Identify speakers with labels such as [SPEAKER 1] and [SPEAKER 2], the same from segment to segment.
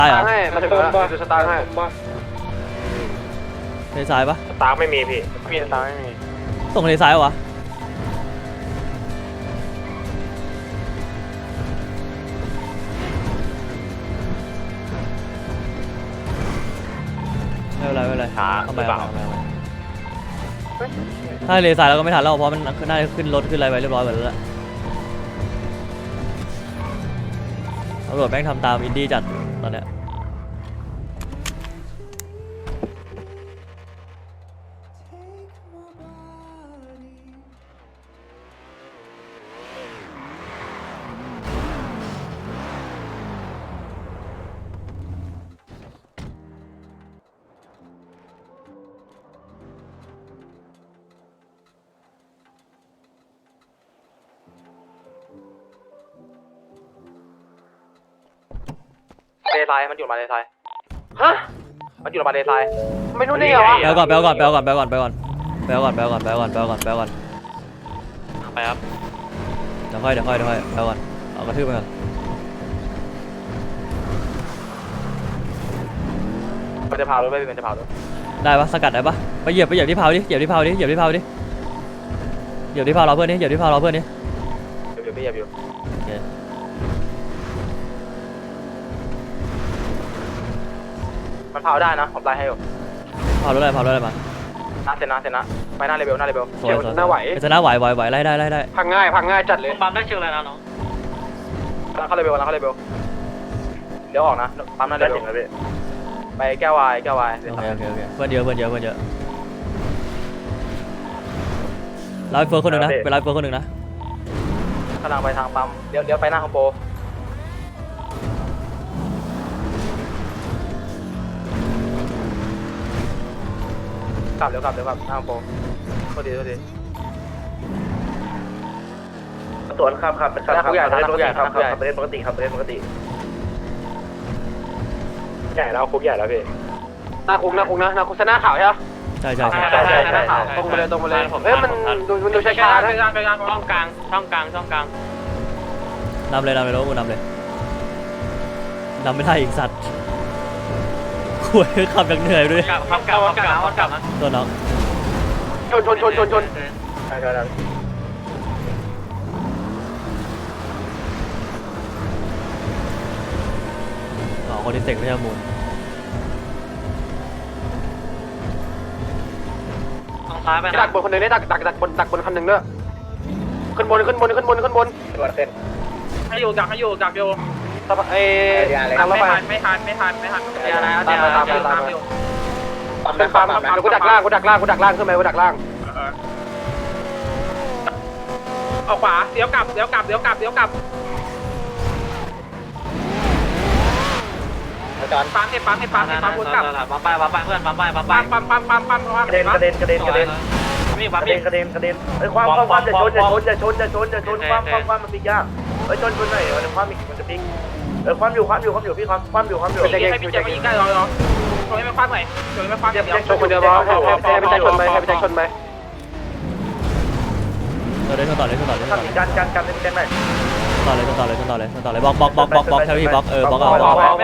[SPEAKER 1] ตายเหรอ
[SPEAKER 2] ให้มาถึงแล้วดูสตาร์ให้
[SPEAKER 1] เลซ้ายปะ
[SPEAKER 3] สตาร์ไม่มีพี่
[SPEAKER 2] มีสตาร์ไม่มี
[SPEAKER 1] ส่งเลซ้ายวะไม่เป็นไร
[SPEAKER 3] ช้า
[SPEAKER 1] ทำไมถ้าเลซ้ายเราก็ไม่ทันแล้วเพราะมันน่าจะขึ้นรถขึ้นอะไรไปเรียบร้อยหมดแล้วตำรวจแม่งทำตามอินดี้จัดตอนเนี้ย
[SPEAKER 2] เลทรายมันอยู่มาเลทรายฮะมันอยู่มาเลทรายไม่รู้นี่เหรอวะ
[SPEAKER 1] ไปก่อนไปครับ
[SPEAKER 2] ไปครับ
[SPEAKER 1] เดี๋ยวค่อยไปก่อนเอากระทืบไปก่อน
[SPEAKER 2] มันจะเผารถมันจะเผารถ
[SPEAKER 1] ได้ปะสกัดได้ปะไปเหยียบที่เผาดิเหยียบที่เผาเราเพื่อนนี่เหยียบที่เผาเราเพื่อนนี่
[SPEAKER 2] อยู่มันเผาได้นะผมไล่ให้อยู่
[SPEAKER 1] เผารถอะไรมา
[SPEAKER 2] เสร็จนะไปหน้าเลเวล
[SPEAKER 1] สวยหน้าไหวไล่ได้
[SPEAKER 2] พังง่ายจัดเลย
[SPEAKER 4] ปั๊มได้เชิงอะไรนะน้อง
[SPEAKER 2] เข้าเลเวลเดี๋ยวออกนะปั๊มหน้าเลเวลไปแก้ววาย
[SPEAKER 1] โอเคเพื่อนเยอะไล่เฟิร์คนหนึ่งนะไปไล่เฟิร์คนหนึ่งนะ
[SPEAKER 2] กำลังไปทางปั๊มเดี๋ยวไปหน้าคอมโบกลับหน้าคอมโบโทษที
[SPEAKER 3] สวนครับเป็น
[SPEAKER 2] ผู้ใหญ่
[SPEAKER 3] ปกติใหญ่แล้วคุกใหญ่แล้วพี่
[SPEAKER 2] หน้าคุกนะชนะข่าวใช่ไหม
[SPEAKER 1] ใช่
[SPEAKER 2] ตรงไปเลยมันดูช้าๆนะ
[SPEAKER 4] ช่องกลาง
[SPEAKER 1] นำเลยแล้วกูนำไม่ได้อีกสัตว์คุยขับอย่างเหนื่อยด้วย
[SPEAKER 4] กลับนะ
[SPEAKER 1] ตัวน้อง
[SPEAKER 2] ชน
[SPEAKER 3] ใช่
[SPEAKER 1] คนที่เสกไม่ใช่มูล
[SPEAKER 4] ซ้ายไป
[SPEAKER 2] ดักบนคนหนึ่งได้ดักบนคันหนึ่งด้วยขึ้นบน
[SPEAKER 3] ตัวขึ้น
[SPEAKER 4] ให้อยู่ดักอยู่
[SPEAKER 2] ทางรถไฟ
[SPEAKER 4] ไม่ทัน
[SPEAKER 2] ตามอยู่เป็นปั๊มกูดักล่างขึ้นไปกูดักล่าง
[SPEAKER 4] เอาขวาเดี๋ยวกลับปั๊มให้วนกลับ
[SPEAKER 3] ปั๊มไปเพื่อนปั๊มไปกระเด็นไอ้ความจะชนความมันปีกยากไอ้ชนหน่อยความมันจะปีกความอยู่พี่ความอยู่
[SPEAKER 4] ให้พี่แจ็คมายิงได้รอชนให้ไม่คว้าหน่อยชนให้ไม่คว้าเดี๋ยว
[SPEAKER 2] ชนคนเดียวให้ไปชนไป
[SPEAKER 1] ต่อเลย
[SPEAKER 3] กันให้พี่แจ็คหน่อย
[SPEAKER 1] ต่อเลยบล็อกแค่พี่บล็อกบล็อกเอา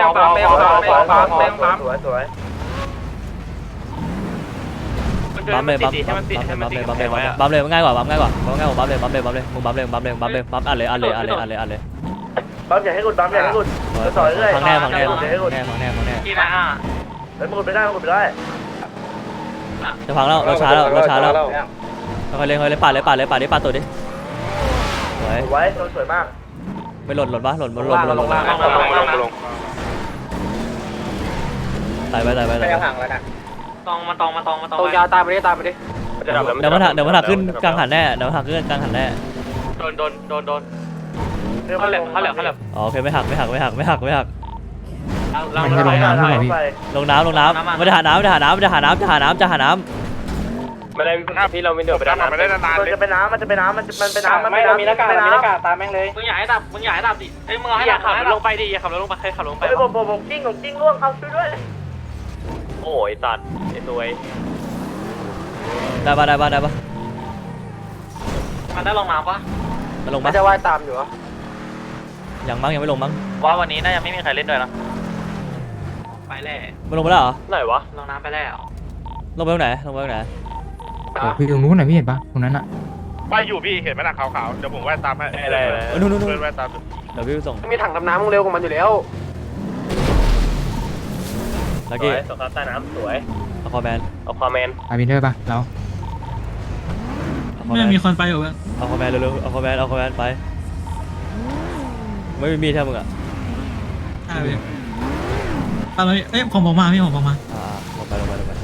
[SPEAKER 3] สวย
[SPEAKER 1] บัมเลยมันง่ายกว่าบัมเลยมึงบัมเลยอัดเลย
[SPEAKER 3] บัมอย่าให้หลุดต่อเรื่อย
[SPEAKER 1] ฟังแน่
[SPEAKER 4] ที่ไหน
[SPEAKER 3] มันหลุดไปได้
[SPEAKER 1] จะพังแล้วเราช้าแล้วค่อยเล่นปาดตัวดิ
[SPEAKER 3] ไว้สวยมาก
[SPEAKER 1] ไม่หล่นปะหล่นตายไป
[SPEAKER 3] ห่างแล้วนะ
[SPEAKER 4] ตอง
[SPEAKER 2] ยาวตามไปดิ
[SPEAKER 1] เดี๋ยวมันหักขึ้นกลางหันแน่โดน
[SPEAKER 4] เขาเหลือ
[SPEAKER 1] โอเคไม่หัก
[SPEAKER 4] ลงน้ำ
[SPEAKER 1] ไม่ได้หาน้ำ
[SPEAKER 2] ไม่ได้พี่เราไม่เดือดไปด้านไม่ได้นาน
[SPEAKER 3] มันจะเป็นน้ำ
[SPEAKER 2] ไม่มีหน้ากากตามแม่งเลย
[SPEAKER 4] มึงอยากให้ดับดิเฮ้ยมึงให้ขับลงไปดิอย่าขับลงไปใครขับลงไป
[SPEAKER 3] ผมกิ้งล่วงเอาช่วยด้วย
[SPEAKER 2] โอ้ยตัดไอ้ตัว
[SPEAKER 1] ได้ปะ
[SPEAKER 4] มันได้ลงน้ำปะ
[SPEAKER 2] มันจะว่ายตามอยู่เหรอ
[SPEAKER 1] ยังไม่ลงมั้ง
[SPEAKER 4] ว่าวันนี้น่าจะไม่มีใครเล่นด้วยนะแร่
[SPEAKER 1] มันลงไปแล้วเหรอ
[SPEAKER 2] ไหนวะ
[SPEAKER 4] ลงน้ำไปแล้ว
[SPEAKER 1] ลงไปตรงไหนลงไปตรงไหน
[SPEAKER 5] พี่ตรงนู้นน่ะพี่เห็นปะตรงนั้นอ่ะ
[SPEAKER 6] ไปอยู่พี่เห็นไหมล่ะขาวๆเดี๋ยวผมแวะตามให้
[SPEAKER 2] อะไร
[SPEAKER 1] นู่นนู่น
[SPEAKER 6] เพื่อนแวะตาม
[SPEAKER 1] เดี๋ยวพี่ไปส่ง
[SPEAKER 2] มีถังดำน้ำมึงเร็วกว่ามันอยู่แล้ว
[SPEAKER 1] ลักกี้
[SPEAKER 2] สงครามใต้น้ำสวย
[SPEAKER 1] เอาคอแมน
[SPEAKER 2] เอาความแมน
[SPEAKER 5] อาบินเทอร์ปะเรา
[SPEAKER 1] เอาคอแมน
[SPEAKER 7] มีคนไปอยู่
[SPEAKER 1] เอาคอแมนเร็วๆเอาคอแมนเอาคอแมนไปไม่มีมีดใช่มึงอ่ะ
[SPEAKER 7] ใช่พี่อะไรเอ้ยผมมาพี่ผมมา
[SPEAKER 1] ลงไปลงไปลงไป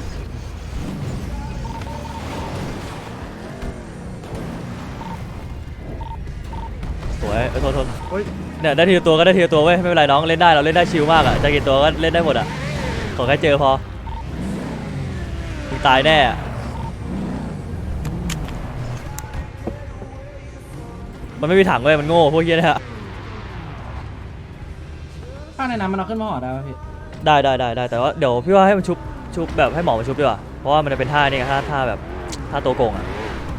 [SPEAKER 1] สวยโทษโทษเนี่ยได้ทีละตัวก็ได้ทีละตัวเว้ยไม่เป็นไรน้องเล่นได้เราเล่นได้ชิลมากอ่ะจะกี่ตัวก็เล่นได้หมดอ่ะขอแค่เจอพอมึงตายแน่อะมันไม่มีถังเว้ยมันโง่พวกเหี้ยเนี่ย
[SPEAKER 8] ข้างในน้ำมันเอาขึ้นมาห่อได้ป่ะพี่
[SPEAKER 1] ได้แต่ว่าเดี๋ยวพี่ว่าให้มันชุบแบบให้หมอมาชุบดีกว่าเพราะว่ามันจะเป็นท่านี่ไงท่าแบบท่าตัวโกงอ่ะ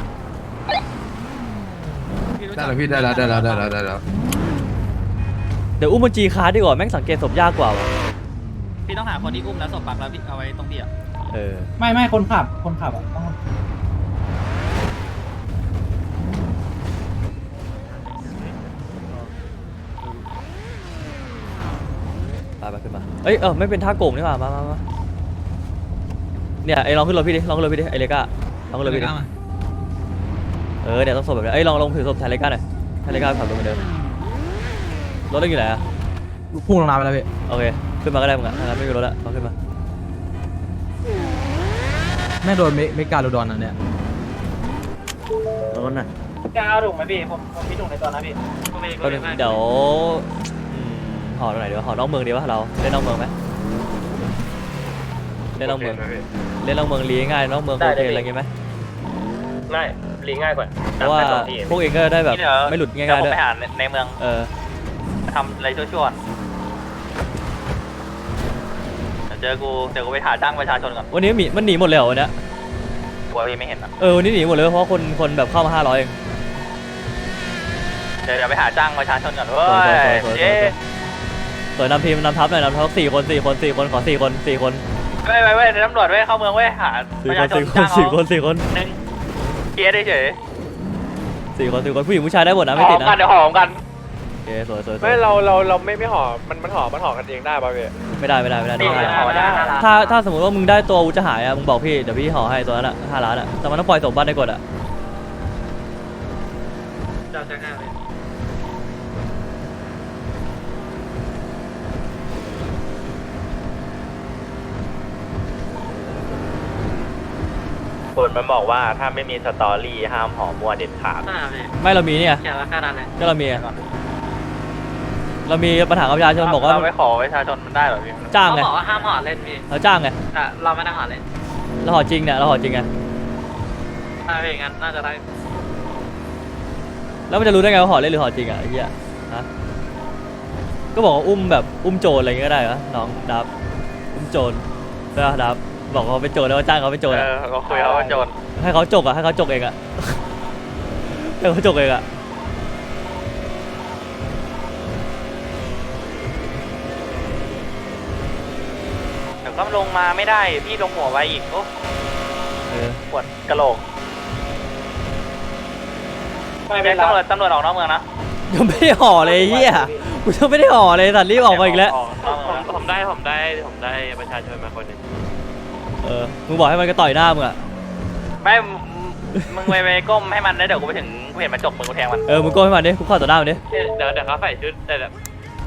[SPEAKER 5] ได้แล้วพี่ได้แล้วได้แล้ว
[SPEAKER 1] เดี๋ยวอุ้มมันจีคาร์ดดีกว่าแม่งสังเกตศพยากกว่าว่ะ
[SPEAKER 4] พี่ต้องหาคนที่อุ้มแล้วศพปักแล้วพี่เอาไว้ตรงพี่อ่ะ
[SPEAKER 1] เออ
[SPEAKER 8] ไม่คนขับอ่ะต้อง
[SPEAKER 1] ไปขึ้นมาเอ้ยไม่เป็นท่าโกงนี่หว่ามาเนี่ยไอ้ลองขึ้นรถพี่ดิลองขึ้นรถพี่ดิไอ้เลก้าลองขึ้นรถพี่ดิเนี่ยต้องศพแบบนี้เอ้ยลองถือศพแทนเลก้าหน่อยแทนเลก้าขับรถเหมือนเดิมรถเล่นอยู่ไหนอะ
[SPEAKER 5] พุ่งลงน้ำไปแล้วพี่
[SPEAKER 1] โอเคขึ้นมาก็ได้มึงอะถ้างั้นไม่มีรถละลองขึ้นมา
[SPEAKER 5] แม่โดนเมกาโดดอนอันเนี้ย
[SPEAKER 8] จะเอาถุงไหมพี่ผมมีถุงในตัวนะพี่
[SPEAKER 1] ก็เดี๋ยวห่อตรงไหนดีวะห่อนอกเมืองดีวะเราเล่นนอกเมืองไหมเล่นนอกเมืองเล่นนอกเมืองลีง่ายนอกเมืองโอเคอะไรเงี้ยไหม
[SPEAKER 2] ง่ายลีง่ายกว่า
[SPEAKER 1] เพราะว่าพวกเองก็ได้แบบไม่หลุดง่ายๆด้วย
[SPEAKER 4] ไปหาในเมือง ทำอะไรชั่วๆเจอกูไปหาจ้างประชาชนก่อน
[SPEAKER 1] วันนี้มันหนีหมดเลยเหรอวันเนี้ย
[SPEAKER 4] กลัวพี่ไม่เห็นอ่ะ
[SPEAKER 1] วันนี้หนีหมดเลยเพราะคนแบบเข้ามา500เอง
[SPEAKER 4] เดี๋ยวไปหาจ้างประชาชนก่อนเว้ย
[SPEAKER 1] สวยนำทีมนำทัพหน่อยนำทัพ4 คนขอ4 คน4 คน
[SPEAKER 4] เว้ยตำรวจเว้ยเข้าเมืองเว้ยหาประชาชนจ้าง
[SPEAKER 1] 4 คน
[SPEAKER 4] นึงเกียร์ได้เฉย
[SPEAKER 1] 4 คนผู้หญิงผู้ชายได้หมดนะไม่ติดนะ
[SPEAKER 4] เดี๋ยวหอมกัน
[SPEAKER 1] โอเคสวย
[SPEAKER 2] ไม่เราไม่ห่อมันห่อกันเองได้ป่ะพี่
[SPEAKER 1] ไม่ได้ถ้าสมมติว่ามึงได้ตัวอาวุธจะหายอะมึงบอกพี่เดี๋ยวพี่ห่อให้ตัวนั้นอะ5 ล้านอะแต่มันต้องปล่อยสมบัติในกฎอะ
[SPEAKER 4] เจ้าจ้างเลย
[SPEAKER 3] คนมันบอกว่าถ้าไม่มีสตอรี่ห้ามห่อมัวเด็ดขาด
[SPEAKER 1] ไม่เรามีเนี่ย
[SPEAKER 4] แค่ละค่านั้นเลย
[SPEAKER 1] ก็เรามีปัญหากับประชาชนบอกว่า
[SPEAKER 4] เราไม่ขอประชาชนมันได้หรอพี่
[SPEAKER 1] จ้างไง
[SPEAKER 4] เขาบอกว่าห้ามห่อเล่นพี่
[SPEAKER 1] เราจ้างไง
[SPEAKER 4] แต่เราไม่ได้ห่อเล่น
[SPEAKER 1] เราห่อจริงเนี่ยเราห่อจริงไง
[SPEAKER 4] ถ้าเป็นอย่างนั้นน่าจะได้
[SPEAKER 1] แล้วมันจะรู้ได้ไงว่าห่อเล่นหรือห่อจริงอะไอ้เหี้ยฮะก็บอกว่าอุ้มโจรอะไรอย่างเงี้ยก็ได้เหรอน้องดับอุ้มโจรได้ปะดับบอกเขาเป็นโจรแล้วว่าจ้างเขาเป็นโจรอะ
[SPEAKER 4] ก็คุยเขาว่าโจร
[SPEAKER 1] ให้เขาจกให้เขาจกเองอะ ให้เขาจกเองอะ
[SPEAKER 4] เดี๋ยวก็ลงมาไม่ได้พี่ลงหัวไว้อีกโอ้ปวดกระโหลกไม่ตำรวจออกนอกเมืองนะ
[SPEAKER 1] ยังไม่ได้ห่อเลยไอ้เหี้ยกูยังไม่ได้ห่อเลยสัตว์รีบออกมาอีกแล้ว
[SPEAKER 4] ผมได้ประชาชนมาคนนึง
[SPEAKER 1] มึงบอกให้มันก็ต่อยหน้ามึงอะ
[SPEAKER 4] ไม่มึงไปก้มให้มันได้เดี๋ยวกูไปถึงกูเห็นมันจกมึงกูแทงมัน
[SPEAKER 1] มึงโก้ให้มันดิกูเข้าต่อหน้ามันดิ
[SPEAKER 4] เดี๋ยวเขาใส่ชุดแต่แบบ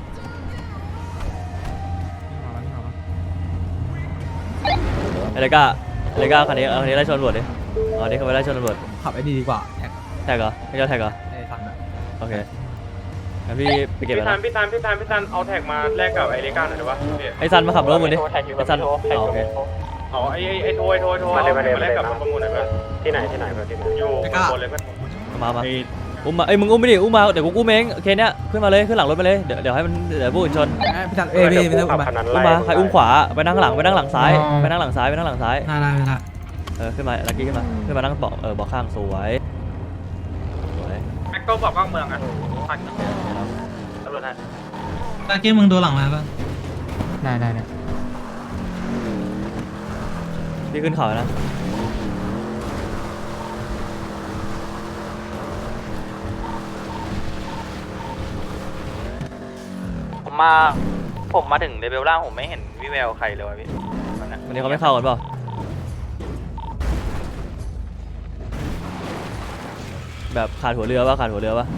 [SPEAKER 1] อะไรก้าคันนี้ไล่ชนตำรวจดิอ๋อนี่เขาไปไล่ชนตำรวจ
[SPEAKER 5] ขับไอ้ดีกว่าแท็ก
[SPEAKER 1] แท็กเหรอไม่ใช่แท็กเหรอ
[SPEAKER 5] ไอ้ทันอะ
[SPEAKER 1] โอเคงั้นพี่ไปเก็บ
[SPEAKER 2] พี่
[SPEAKER 1] แล้ว
[SPEAKER 2] ทันเอาแท็กมาแลกกับไอ้เลก้าหน่อยได้ป่ะ
[SPEAKER 1] ไอ้ซันมาขับรถมึงดิไอ้ซันโอเค
[SPEAKER 2] เอาไอ้โทรมาแลกกับประมูลหน่อยป่ะที่ไหนอยู่บนเลยป่ะ
[SPEAKER 1] มาอุ้มมามึงอุ้มไม่ดิอุ้มมาเดี๋ยวกูอุ้มเองโอเคเนี้ยขึ้นมาเลยขึ้นหลังรถมาเลยเดี๋ยวให้มันเดี๋ยวผู้อื่นชน
[SPEAKER 5] พี่ทันพี่ทันอุ้มมา
[SPEAKER 1] อุ้มมาใครอุ้มขวาไปนั่งหลังซ้ายไปนั่งหลังซ้าย
[SPEAKER 5] ได้
[SPEAKER 1] ขึ้นมาลักกี้ขึ้นมานั่งเบาะข้างสวยสวย
[SPEAKER 4] แม็กโก้บอกว่าเมืองอะผัดตำรวจนะ
[SPEAKER 7] ตะกี้มึงโดนหลังมาป่ะ
[SPEAKER 5] ได้
[SPEAKER 1] พี่ขึ้นเขานะ
[SPEAKER 4] ผมมาถึงเลเวลล่างผมไม่เห็นวิแววใครเลยวะพี่
[SPEAKER 1] วันนี้เขาไม่เข้ากันเปล่าแบบขาดหัวเรือขาดหัวเรือปะ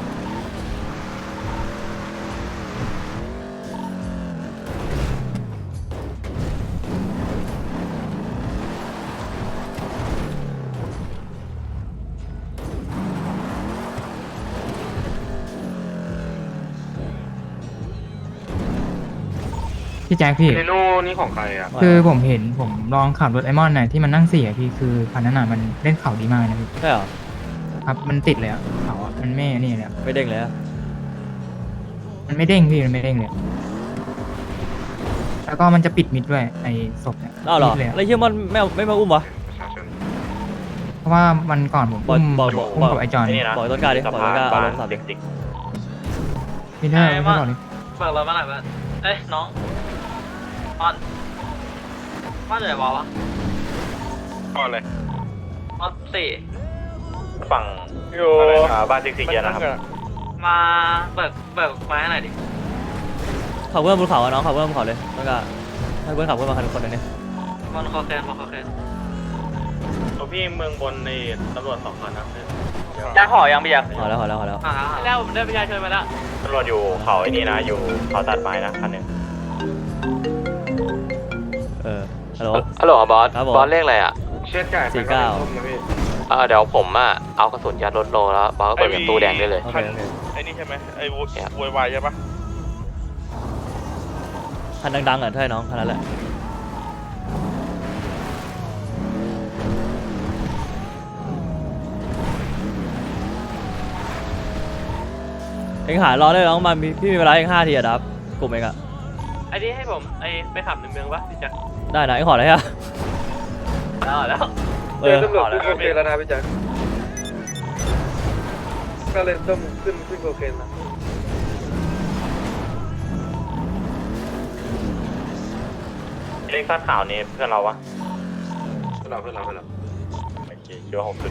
[SPEAKER 9] พี่แจ็คพี่
[SPEAKER 6] เรโน่นี่ของใครอ่ะ
[SPEAKER 9] คือผมเห็นผมลองขับรถไอมอนน่ะที่มันนั่ง4พี่คือคันนั้นน่ะมันเล่นเขาดีมากนะพี่
[SPEAKER 1] ใช่เหรอ
[SPEAKER 9] ครับมันติดเลยอะเขาอะมันไม่นี่เลยอะ
[SPEAKER 1] ไม่เด้งเลยอะ
[SPEAKER 9] มันไม่เด้งพี่มันไม่เด้งเลยแล้วก็มันจะปิดมิดด้วยไอศพเนี่ย
[SPEAKER 1] อ้าวเหรอ
[SPEAKER 9] มิดเลยอะ
[SPEAKER 1] แล้วเฮียมันไม่มาอุ้มวะ
[SPEAKER 6] ประชาชน
[SPEAKER 9] เพราะว่ามันก่อนผมอุ้ม
[SPEAKER 1] บอก
[SPEAKER 9] อุ้มกับไอจอน
[SPEAKER 1] บอกต้นกล้าดิบอกต้นกล้าเอาลงสามดิ
[SPEAKER 9] พี่เธอพี่บอกเลย
[SPEAKER 8] ฝากเรามาหน่อยบ้านเอ้ยน้องออนบ้านไหนวะ
[SPEAKER 6] ก็เลย
[SPEAKER 8] ออนสี่
[SPEAKER 3] ฝั่ง
[SPEAKER 6] อยู่
[SPEAKER 3] บ้านซิกซิกเกียร์นะครับ
[SPEAKER 8] มาเบิกไม้ให้หน่อยดิ
[SPEAKER 1] ขับเพื่อนบนเขาอะน้องขับเพื่อนบนเขาเลยต้นกล้าให้เพื่อนขับเพื่อนมาคันคนนึงเนี่ย
[SPEAKER 8] บอลคอแคน
[SPEAKER 3] พี่เมืองบนในตำรวจ2 คันนะ
[SPEAKER 4] จะห่อยังพี่ยักษ์
[SPEAKER 1] พอแล้ว
[SPEAKER 8] แล้วผมได้ประชาชนมาแล้ว
[SPEAKER 3] ตำรวจอยู่เขาไอ้นี่นะอยู่เขาตัดไม้นะคันหนึ่ง
[SPEAKER 1] ฮัลโหล
[SPEAKER 2] ฮัลโหลบอส
[SPEAKER 1] ครับผม
[SPEAKER 2] บอสเลขอะไรอ่ะ
[SPEAKER 6] เชือดไก่
[SPEAKER 1] 49
[SPEAKER 2] เดี๋ยวผมเอากระสุนยัดรถโลแล้วบอสก็เปิดประตูแดงได้เลย
[SPEAKER 1] โอเคโอเค
[SPEAKER 6] ไอ้นี่ใช่ไหมไอ้วยวายใช่ปะ
[SPEAKER 1] คันดังๆอ่ะใช่น้องคันนั้นแหละเองหารอได้น้องมันพี่มีเวลาเอง5 ทีอะดับกลุ่มเองอะ
[SPEAKER 8] ไอ้นี่ให้ผมไปขับในเมืองปะพี่แจ็ค
[SPEAKER 1] ได้นะเองขออะไรอะ
[SPEAKER 8] แล้ว
[SPEAKER 1] เออ
[SPEAKER 6] ตำรวจขึ้นโคเคนแล้วนะพี่แจ๊คก็เลยต้องขึ้นโคเคนนะ
[SPEAKER 3] เล็กสั้นขาวนี่เพื่อนเราวะ
[SPEAKER 6] เพื่อนเรา
[SPEAKER 3] โอเคคิดว่าผมขึ้น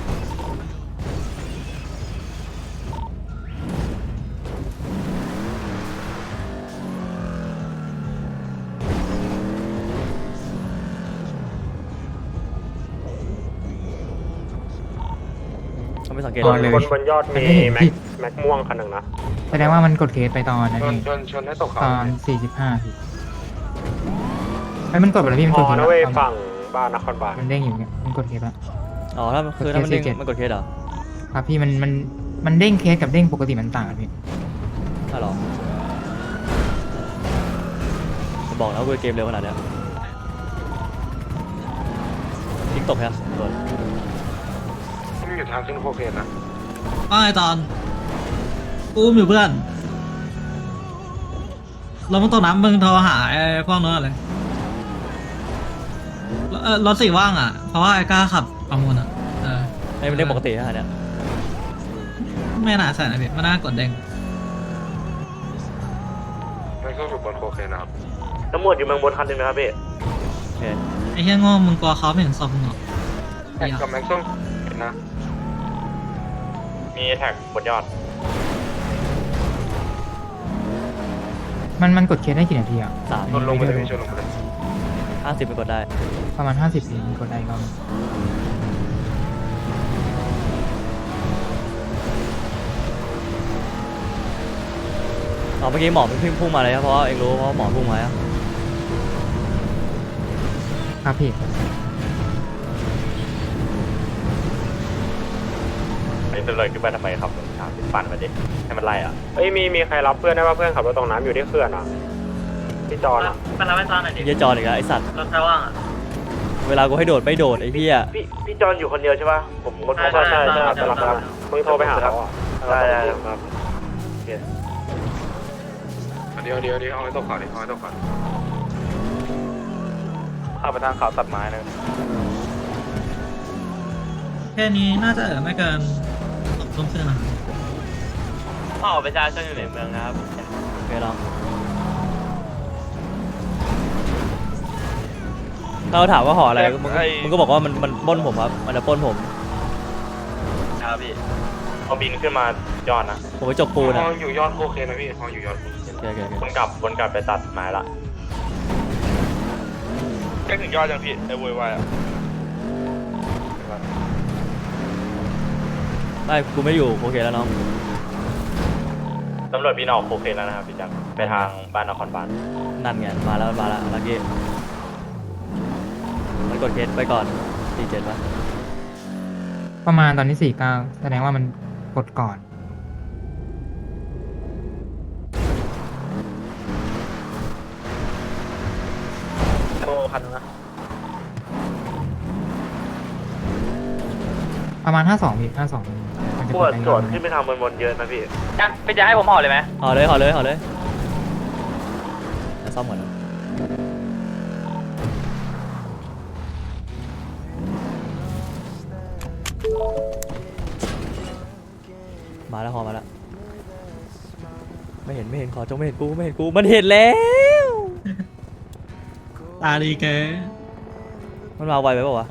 [SPEAKER 1] ต้องไปสังเกต
[SPEAKER 9] ก่อนเลย
[SPEAKER 3] บนยอดมี
[SPEAKER 9] แม็ก
[SPEAKER 3] แม็กม่วงคันหนึ่งนะ
[SPEAKER 9] แสดงว่ามันกดเคสไปตอนนั้น
[SPEAKER 6] ชน
[SPEAKER 9] นี่
[SPEAKER 6] ชนให้ตกเขา
[SPEAKER 9] ตอน45พี่ไอ้มันกดไปแล้วพี่มัน
[SPEAKER 3] พ
[SPEAKER 9] กด
[SPEAKER 3] อ
[SPEAKER 9] เคส
[SPEAKER 3] นะ
[SPEAKER 9] แล้ว
[SPEAKER 3] เว้ยฝั่งบ้านนครบาล
[SPEAKER 9] มันเด้งอยู่เนี่ยมันกดเคสแล้ว
[SPEAKER 1] อ๋อถ้าคือถ้ามันเด้ง
[SPEAKER 9] 47
[SPEAKER 1] มันกดเคสเหรอ
[SPEAKER 9] ครับพี่มันเด้งเคสกับเด้งปกติมันต่างกันพี่
[SPEAKER 1] ใช่หรอจะบอกนะว่าเกมเร็วขนาดเนี้ยทิ้งตกแค่โดน
[SPEAKER 6] ไม่อยู่ทางขึ้นโคเคนนะ
[SPEAKER 7] ว่าไงตอนกูอุ้มอยู่เพื่อนเราต้องตกน้ำมึงโทรหาไอ้พวกนั้นเลยรถสีว่างอ่ะเพราะว่าไอ้กล้าขับประมูลอ่ะ
[SPEAKER 1] ไอ้มันเด้งปกติฮะเนี่ย
[SPEAKER 7] ไม่น่าใส่นะพี่มันน่ากดเด้ง
[SPEAKER 6] ไม่ก็อยู่บนโคเคนนะครับ
[SPEAKER 3] ตำรวจอยู่เมืองบนคันหนึ่งนะครับพี่
[SPEAKER 1] โอเค
[SPEAKER 7] ไอ้เหี้ยโง่มึงกลัวเขาไม่เห็นศพมึงเหรอ
[SPEAKER 6] แท็กกับแม็กซ์ส้มเห็นนะ
[SPEAKER 3] มีแท็กบนยอด
[SPEAKER 9] มันกดเคสได้กี่นาทีอ่ะ
[SPEAKER 1] 3
[SPEAKER 6] ชนลงไปเลยพี่ชนลงไปเลย
[SPEAKER 1] 50ไปกดได้
[SPEAKER 9] ประมาณ50เองกดได้ก็
[SPEAKER 1] เมื่อกี้หมอมันพุ่งมาเลยครับเพราะว่าเองรู้เพราะหมอพุ่งมาอะ
[SPEAKER 9] ครับพี่
[SPEAKER 3] ไอ้ตำรวจขึ้นไปทำไมขับรถช้าปั่นมาดิให้มันไล่อ่ะเอ้ยมีใครรับเพื่อนได้ว่าเพื่อนขับรถตรงน้ำอยู่ที่เขื่อนอ่ะพี่จอนอ่ะ
[SPEAKER 8] ไปรับไอ้ตอนหน่อยดิ
[SPEAKER 1] เฮียจอนอีกแล้วไอสัตว์
[SPEAKER 8] รถใครว่างอ่ะ
[SPEAKER 1] เวลากูให้โดดไม่โดดไอ้เฮีย
[SPEAKER 3] พี่จอนอยู่คนเดียวใช่ป่ะผมคนใช่ครับมึงโทรไปหาเขาอ่ะได้ครับ
[SPEAKER 6] เดี๋ยวเอาให้ตกเขาดิเอาให้ตกเขา
[SPEAKER 3] เข้าไปทางเขาตัดไม้นะ
[SPEAKER 7] แค่นี้น่าจะไม่เกิน2 ทุ่มครึ่งนะ
[SPEAKER 8] พ่อประชาชนอยู่ในเมืองครับ
[SPEAKER 1] โอเคน้องถ้าเราถามว่าห่ออะไรมึงก็บอกว่ามันปล้นผมครับมันจะปล้นผม
[SPEAKER 2] ครับพี่พอบินขึ้นมายอดนะ
[SPEAKER 1] ผมไปจกปูน
[SPEAKER 6] ฮ
[SPEAKER 1] อ่ะ
[SPEAKER 6] ออยู่ยอดโคเคนนะพี่ฮออยู่ยอด
[SPEAKER 1] โอเคโอเคโอเค
[SPEAKER 2] วนกลับไปตัดไม้ละ
[SPEAKER 6] ใกล้ถึงยอดยังพี่ไอ้โวยวายอ่ะ
[SPEAKER 1] ไม่กูไม่อยู่โอเคแล้วน้อง
[SPEAKER 2] ตำรวจบินออกโคเคนแล้วนะครับพี่แจ็คไปทางบ้านนครบาล
[SPEAKER 1] นั่นไงมาแล้วลักกี้มันกดเคสไปก่อน47ป่ะ
[SPEAKER 9] ประมาณตอนนี้49แสดงว่ามันกดก่อน
[SPEAKER 2] โมคันนะ
[SPEAKER 9] ประมาณ52พี่52มันจะ
[SPEAKER 3] ป
[SPEAKER 9] ก
[SPEAKER 3] ว
[SPEAKER 9] ด
[SPEAKER 3] ด
[SPEAKER 9] ได้
[SPEAKER 3] ส่วน
[SPEAKER 9] ง่าย
[SPEAKER 3] ขึ้นไปทางบนๆเยอะนะพี่
[SPEAKER 4] พี่จะให้ผมห่อเลยไหม
[SPEAKER 1] ห่อเลยเดี๋ยวซ่อมก่อนนะมาแล้วมาแล้วไม่เห็นขอจงไม่เห็นกูมันเห็นแล้ว
[SPEAKER 7] ตาดีเก๋
[SPEAKER 1] มันมาไวไปเปล่าวะ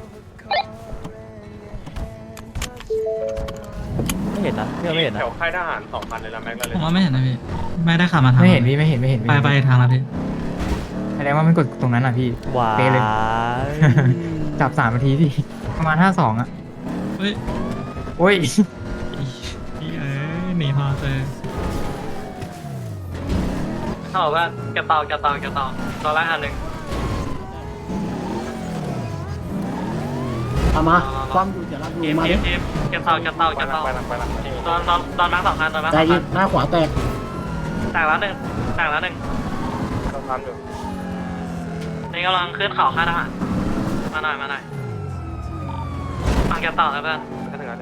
[SPEAKER 1] ไม่เห็นนะพี่ไม่เห็นนะ
[SPEAKER 6] แถวค่ายทหาร2,000เลยนะแม็กซ์เลย
[SPEAKER 7] ผมว่าไม่เห็นนะพี่ไม่ได้ขับมาทาง
[SPEAKER 9] ไม่เห็นพี่ไม่เห็น
[SPEAKER 7] ไปทางแล้วพี่
[SPEAKER 9] แสดงว่ามันกดตรงนั้นอ่ะพี่
[SPEAKER 1] ว้า
[SPEAKER 9] เป๊ะเลย
[SPEAKER 1] ย
[SPEAKER 9] จับ3 นาทีพี่ประมาณ52อ่ะ
[SPEAKER 7] เฮ้ย
[SPEAKER 9] โอ้ย
[SPEAKER 7] พี่เอ้ยหนีพอเจอ
[SPEAKER 8] เขาบอกว่าแกะเตาตัวละอันหนึ่ง
[SPEAKER 5] เอามาความอยู่เดี๋ยวเราดูมาดิ
[SPEAKER 8] แกะเตาตอนมาร์ค2 คันตอนมาร์ค
[SPEAKER 5] ใจ
[SPEAKER 8] 2
[SPEAKER 5] เย็
[SPEAKER 8] คั
[SPEAKER 5] น
[SPEAKER 8] น
[SPEAKER 5] หน้าขวาแตก
[SPEAKER 8] แตกแล้วหนึ่ง
[SPEAKER 6] ต้องทำอยู่
[SPEAKER 8] นี่กำลังขึ้นเขาค่ายทหารมาหน่อยฟังแกะเตานะเพื่อน
[SPEAKER 6] ก็ถึงแล้ว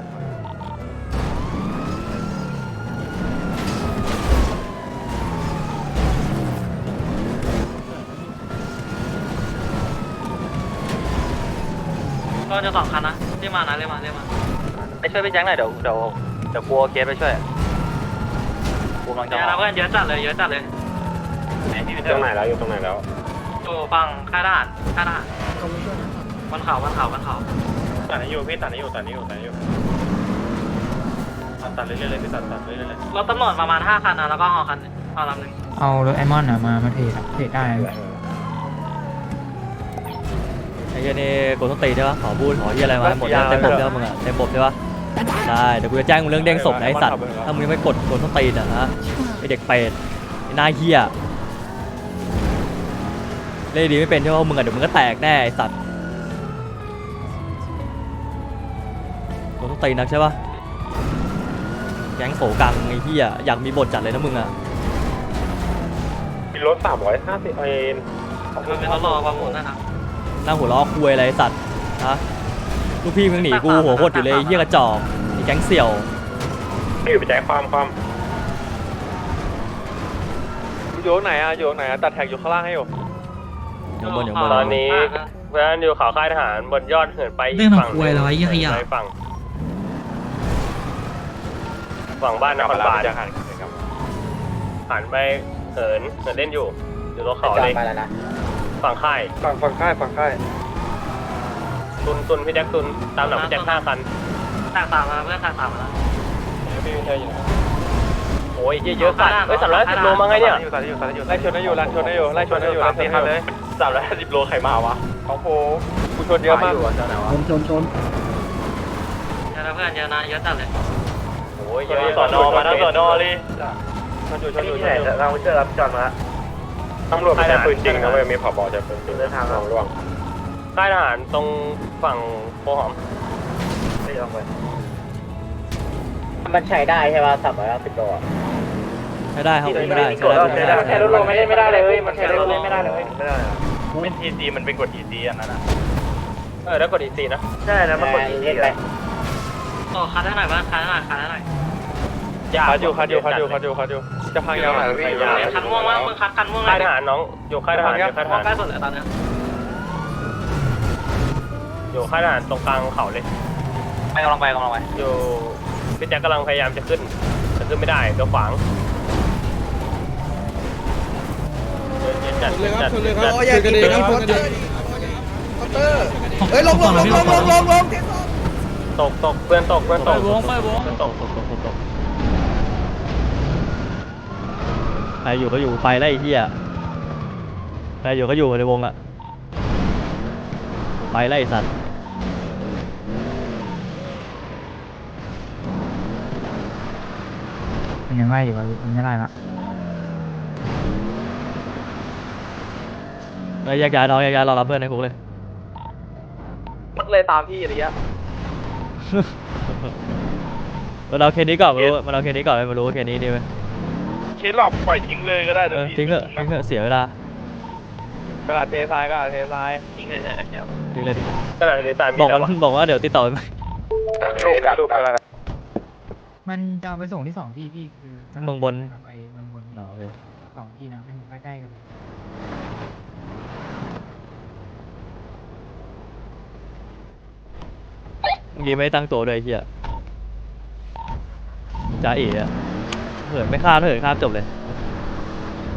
[SPEAKER 8] ก็จะ2 คันนะเรียกมา
[SPEAKER 4] ไปช่วยพี่แจ็คหน่อยเดี๋ยวกลัวเคสไปช่วยกูกำลัง
[SPEAKER 8] เย
[SPEAKER 4] จะ
[SPEAKER 8] อะนะเพื่อนเยอะจัดเลย
[SPEAKER 6] อยู่ตรงไหนแล้วอยู่ตรงไหนแล้ว
[SPEAKER 8] อยู่ฝั่งค่ายทหารบนเขา
[SPEAKER 6] ตัดนี้อยู่พี่ตัดนี้อยู่ตัดเรื่อยๆเลยพี่ตัดเรื่อยๆเลย
[SPEAKER 8] รถตำรวจประมาณ5 คันนะแล้วก็หอลำหนึ่ง
[SPEAKER 9] เอารถไอมอนมาเทรดได้
[SPEAKER 1] ไอ้เหี้ยนี่กูต้องตีใช่ปะขอพูดขอที่อะไรมาให้หมดเนี่ยเต็มบบใช่ปะมึงอะเต็มบบใช่ปะได้เดี๋ยวกูจะแจ้งมึงเรื่องเด้งศพนะไอ้สัตว์ถ้ามึงยังไม่กดกูต้องตีนะฮะไอ้เด็กเป็ดไอ้หน้าเหี้ยเล่นดีไม่เป็นใช่ปะมึงอะเดี๋ยวมึงก็แตกแน่ไอ้สัตว์กูต้องตีนักใช่ปะแก๊งโสกังไอ้เหี้ยอยากมีบทจัดเลยนะมึงอะ
[SPEAKER 6] มีรถ350เอ็น
[SPEAKER 8] มันเป็นรถรอประมูลนะครับ
[SPEAKER 1] นั่งหัวล้อคุยอะไรไอ้สัตว์ฮะลูกพี่มึงหนีกูหัวโคตรอยู่เลยไอ้เหี้ยกระจอกไอ้แก๊งเสี่ยว
[SPEAKER 6] พี่อยู่ไปแจ้งความ
[SPEAKER 2] อยู่ไหนตัดแท็กอยู่ข้างล่างให้อยู่
[SPEAKER 1] อยู่บน
[SPEAKER 6] ตอนนี้เพื่อนอยู่เขาค่ายทหารบนยอดเหินไป
[SPEAKER 7] เรื่องของคุยแล้วไอ้ยี่ขยะ
[SPEAKER 6] ฝั่งบ้านนครบาลหันไปเหินเล่นอยู่ตรงเขาเลยฝั่งค่ายตุนพี่แจ็คตุนตามหลังพี่แจ็ค5 คัน
[SPEAKER 8] แตกต่างมาเพื่อนแตกต่างมาแล้ว
[SPEAKER 6] โอ้ยเยอะสัตว์310 โลมาไงเนี่ย
[SPEAKER 2] ไล่ชนได้อยู่เลย350 โลใครมาวะของผมกูชนเยอะมาก
[SPEAKER 5] ชน
[SPEAKER 8] เยอะนะเพื่อนเยอะนะเยอะจัดเลย
[SPEAKER 6] โอ้ยเยอะสอนอมาทั้งสอนอเลยที่ไหนเราเจอรับจอดมาตำรวจไม่ใช่ปืนจริงนะเว้ยมีผบใช้ปืนจริงเดินทางระวังค่ายทหารตรงฝั่งโพหอมไม่ยอมไป
[SPEAKER 3] มันใช้ได้ใช่ป่ะ310 โล
[SPEAKER 1] ใช้ได้ครับไม่ได้ใช้ได้
[SPEAKER 3] ใช้รถลงไม่ได้เลยมันใช้รถไม่ได้เลย
[SPEAKER 2] เป็น EC มันเป็นกด EC อันนั้นอ่ะ
[SPEAKER 6] แล้วกดอีซีนะใช่นะมันกดอีซี
[SPEAKER 8] โอ้คันได้หน่อยบ้างคันได้หน่อย
[SPEAKER 2] คัดอยู่จะพังยาวหน่อยพี่
[SPEAKER 8] คันม่วงมั้งมึงคันม่วง
[SPEAKER 6] ค่ายทหารน้องอยู่ค่ายทหาร
[SPEAKER 8] ม่วงใกล้สุดเลยตอนนี้
[SPEAKER 6] อยู่ค่ายทหารตรงกลางเขาเลย
[SPEAKER 4] กำลังไป
[SPEAKER 6] อยู่พี่แจ็คกำลังพยายามจะขึ้นแต่ขึ้นไม่ได้เดี๋ยวขวางจัด
[SPEAKER 7] เฮ้ยลงลงลงลงลงลงลง
[SPEAKER 6] ตกเพื่อนตก
[SPEAKER 1] ไปวงตกใครอยู่ก็อยู่ไปไล่ไอ้เหี้ยใครอยู่ก็อยู่ในวงอะไปไล่ไอ้สัตว์
[SPEAKER 9] มันยังไงอยู่วะมันไม่ได้ละ
[SPEAKER 1] แยกย้ายน้องแยกย้ายรอรับเพื่อนในคุกเลย
[SPEAKER 2] เลยตามพี่อะไรเงี้ย
[SPEAKER 1] มันเอาเคสนี้ก่อนมันเอาเคสนี้ก่อนไม่รู้ว่าเคสนี้ดีไหม
[SPEAKER 6] เคสหลอกปล่อยทิ้งเลยก็ได้
[SPEAKER 1] ทิ้งเถอะเสียเวลา
[SPEAKER 6] กระดาษเททรายทิ้งเลย
[SPEAKER 1] ทิ้งเลย
[SPEAKER 6] กระดาษเททราย
[SPEAKER 1] บอกว่าเดี๋ยวติดต่อไปใหม่
[SPEAKER 6] รูปอะไร
[SPEAKER 9] มันจะเอาไปส่งที่2 ที่พี่คือ
[SPEAKER 1] เมืองบน
[SPEAKER 9] ไปเมืองบน
[SPEAKER 1] อ๋อโอเค
[SPEAKER 9] 2 ที่นะเป็นใกล้ๆกันเลย
[SPEAKER 1] เมื่อกี้ไม่ตั้งตัวด้วยไอ้เหี้ยจ้าเอ๋อะเหินไม่ข้ามจบเลย